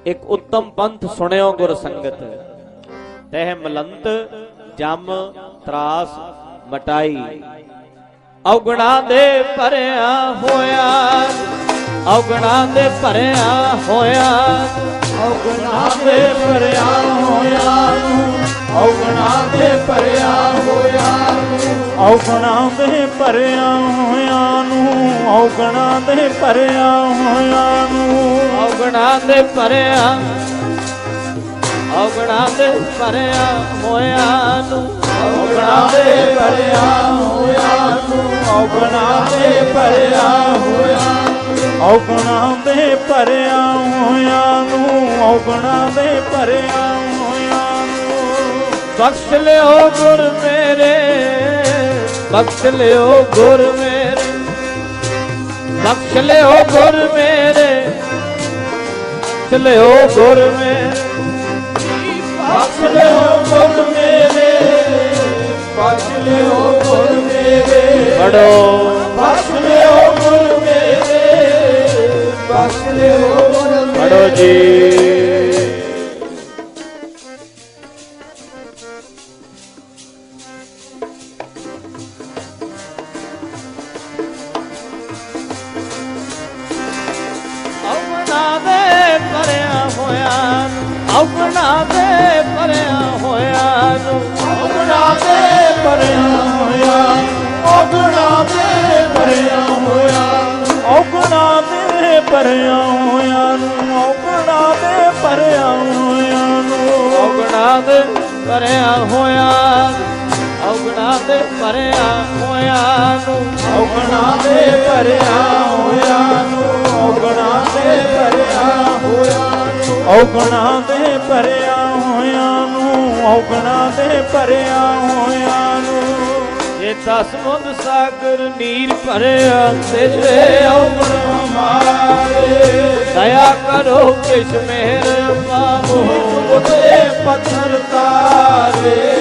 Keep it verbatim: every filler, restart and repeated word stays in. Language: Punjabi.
ਇੱਕ ਉੱਤਮ ਪੰਥ ਸੁਣਿਓ ਗੁਰ ਸੰਗਤ। ਤਹਿ ਮਲੰਤ ਜਮ ਤਰਾਸ ਮਟਾਈ, ਔਗਣਾ ਦੇ ਭਰਿਆ ਹੋਇਆ, ਔਗਣਾ ਦੇ ਭਰਿਆ ਹੋਇਆ, ਔਗਣਾ ਦੇ ਭਰਿਆ ਹੋਇਆ ਨੂੰ, ਔਗਣਾ ਦੇ ਭਰਿਆ ਹੋਇਆ ਨੂੰ, ਔਗਣਾ ਦੇ ਭਰਿਆ ਹੋਇਆ ਨੂੰ, ਔਗਣਾ ਦੇ ਭਰਿਆ ਹੋਇਆ ਨੂੰ, ਔਗਣਾ ਦੇ ਭਰਿਆ, ਔਗਣਾ ਦੇ ਭਰਿਆ ਹੋਇਆ ਨੂੰ, ਔਗਣਾ ਦੇ ਭਰਿਆ ਹੋਇਆ ਨੂੰ, ਔਗਣਾ ਦੇ ਭਰਿਆ ਹੋਇਆ ਨੂੰ, ਔਗਣਾ ਦੇ ਭਰਿਆ ਹੋਇਆ ਨੂੰ, ਔਗਣਾ ਦੇ ਭਰਿਆ ਹੋਇਆ ਨੂੰ। ਬਖਸ਼ ਲਿਓ ਗੁਰ ਮੇਰੇ, ਬਖਸ਼ ਲਿਓ ਗੁਰ ਮੇਰੇ, ਬਖਸ਼ ਲਿਓ ਗੁਰ ਮੇਰੇ, ਬਖਸ਼ ਲਿਓ ਗੁਰ ਮੇਰੇ, ਬਖਸ਼ ਲਿਓ ਗੁਰ ਮੇਰੇ, ਬਖਸ਼ ਲਿਓ ਗੁਰ ਮੇਰੇ, ਪੜੋ ਬਖਸ਼ ਲਿਓ ਗੁਰ ਮੇਰੇ, ਬਖਸ਼ ਲਿਓ ਗੁਰ ਮੇਰੇ। ਪੜੋ ਜੀ। ਔਗਣਾ ਦੇ ਭਰਿਆ ਹੋਇਆ ਨੂੰ, ਔਗਣਾ ਦੇ ਭਰਿਆ ਹੋਇਆ ਨੂੰ, ਔਗਣਾ ਦੇ ਭਰਿਆ ਹੋਇਆ, ਔਗਣਾ ਦੇ ਭਰਿਆ ਹੋਇਆ, ਔਗਣਾ ਦੇ ਭਰਿਆ ਹੋਇਆ ਨੂੰ, ਔਗਣਾ ਦੇ ਭਰਿਆ ਹੋਇਆ ਨੂੰ, ਔਗਣਾ ਦੇ ਭਰਿਆ ਹੋਇਆ, ਔਗਣਾ ਦੇ ਭਰਿਆ ਹੋਇਆ ਨੂੰ, ਔਗਣਾ ਦੇ ਭਰਿਆ ਹੋਇਆ ਨੂੰ, ਔਗਣਾ ਦੇ ਭਰਿਆ ਹੋਇਆ ਨੂੰ, ਔਗਣਾ ਦੇ ਭਰਿਆ ਹੋਇਆ ਨੂੰ, ਔਗਣਾ ਦੇ ਭਰਿਆ ਹੋਇਆ ਨੂੰ। ਜੇ ਦਸ ਮੁੰਦ ਸਾਗਰ ਨੀਰ ਭਰਿਆ ਤੇਰੇ ਔਗਣ ਮਾਰੇ, ਦਇਆ ਕਰੋ ਕਿਛ ਮਿਹਰ ਪਾਵੋ, ਉਤੇ ਪੱਥਰ ਤਾਰੇ,